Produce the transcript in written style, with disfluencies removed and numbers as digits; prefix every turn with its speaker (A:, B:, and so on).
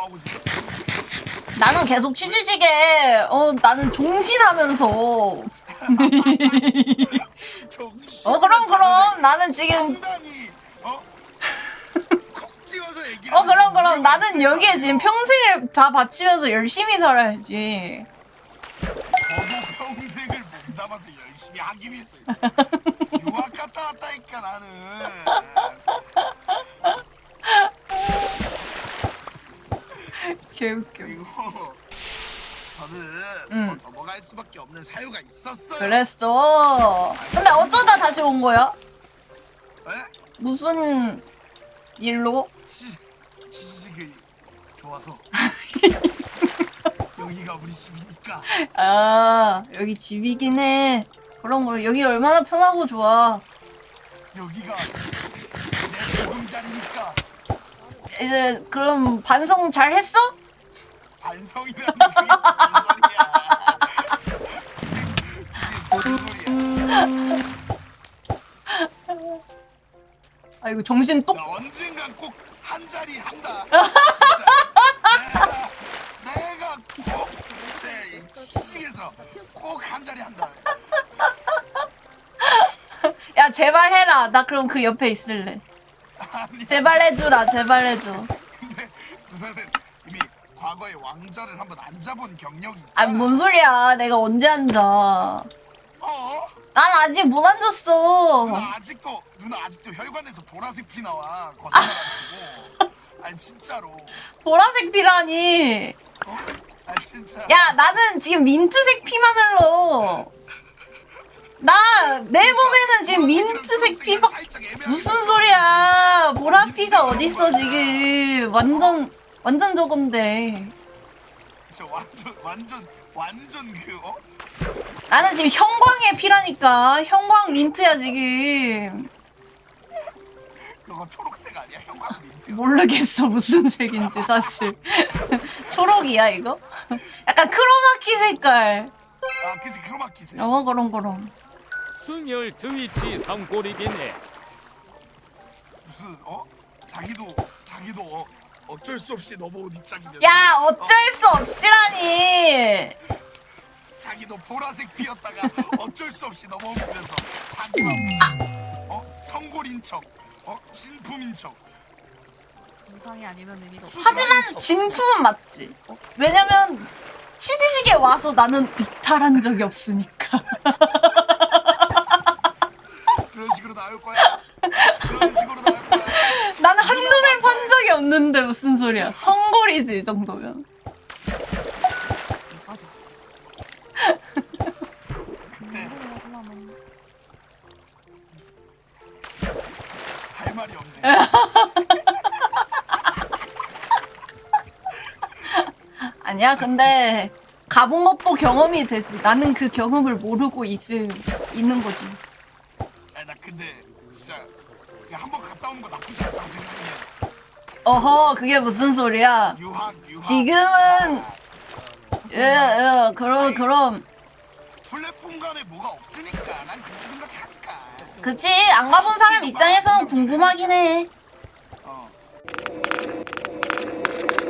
A: 싸우고 지냈어.
B: 나는 계속 치지직에 나는 종신하면서
A: 정신.
B: 그럼 나는 지금
A: 상당히 콕 집어서 얘기를.
B: 그럼 나는 여기에 지금 평생을 다 바치면서 열심히 살아야지.
A: 저도 평생을 몸담아서 열심히 하기 위해서 유학 갔다 왔다니까 나는.
B: 개웃겨.
A: 그리고 저는
B: 응.
A: 넘어갈 수밖에 없는 사유가 있었어요.
B: 그랬어. 근데 어쩌다 다시 온 거야?
A: 에?
B: 무슨 일로?
A: 지식이 좋아서. 여기가 우리 집이니까.
B: 아, 여기 집이긴 해. 그런 거 여기 얼마나 편하고 좋아.
A: 여기가 내 보금자리니까.
B: 이제 그럼 반성 잘 했어?
A: 반성이라는 게 무슨 소리야? 그게 무슨 소리야?
B: 아이고 정신 똑.
A: 나 언젠간 꼭 한 자리 한다. 진짜. 내가 꼭 내 시식에서 꼭 한 자리 한다.
B: 야 제발 해라. 나 그럼 그 옆에 있을래.
A: 아니,
B: 제발 해주라. 제발 해줘.
A: 근데 누나는 이미 과거에 왕자를 한번 앉아본 경력이 있잖아.
B: 아 뭔 소리야. 내가 언제 앉아. 난 아직 못 앉았어.
A: 누나 아직도 혈관에서 보라색 피 나와. 거짓말 안 치고. 아니 진짜로.
B: 보라색 피라니.
A: 아니 진짜.
B: 야 나는 지금 민트색 피만 흘러. 나 내 몸에는 지금 민트색 피밖. 무슨 소리야. 보라 피가 어딨어 지금. 완전 저건데.
A: 저 완전 그
B: 나는 지금 형광의 피라니까. 형광 민트야 지금.
A: 그거 초록색 아니야? 형광 민트.
B: 모르겠어 무슨 색인지 사실. 초록이야 이거? 약간 크로마키 색깔.
A: 아 그치 크로마키색.
B: 그럼.
C: 승열 트위치 삼골이긴 해.
A: 무슨 자기도 어쩔 수 없이 넘어온 입장이면.
B: 야 어쩔 수 없이라니.
A: 자기도 보라색 피었다가 어쩔 수 없이 넘어오면서 자기만 성골인 척, 진품인 척.
D: 정상이 아니면 의미가 없어.
B: 하지만 진품은 맞지. 왜냐면 치즈직에 와서 나는 이탈한 적이 없으니까.
A: 그런 식으로 나올 거야. 그런 식으로 나올 거야.
B: 나는 한눈을 판 적이 없는데 무슨 소리야. 성골이지 이 정도면.
D: 맞아.
A: 근데
D: 하려면
A: 할 말이 없네.
B: 아니야 근데 가본 것도 경험이 되지. 나는 그 경험을 모르고 있는 거지.
A: 아니 나 근데 진짜 한번 갔다 오는 거 나쁘지 않다고 생각해.
B: 어허 그게 무슨 소리야.
A: 유학.
B: 지금은 그럼
A: 플랫폼 간에 뭐가 없으니까 난 그렇게 생각하니까.
B: 그치 안 가본 사람 입장에서는 궁금하긴 해.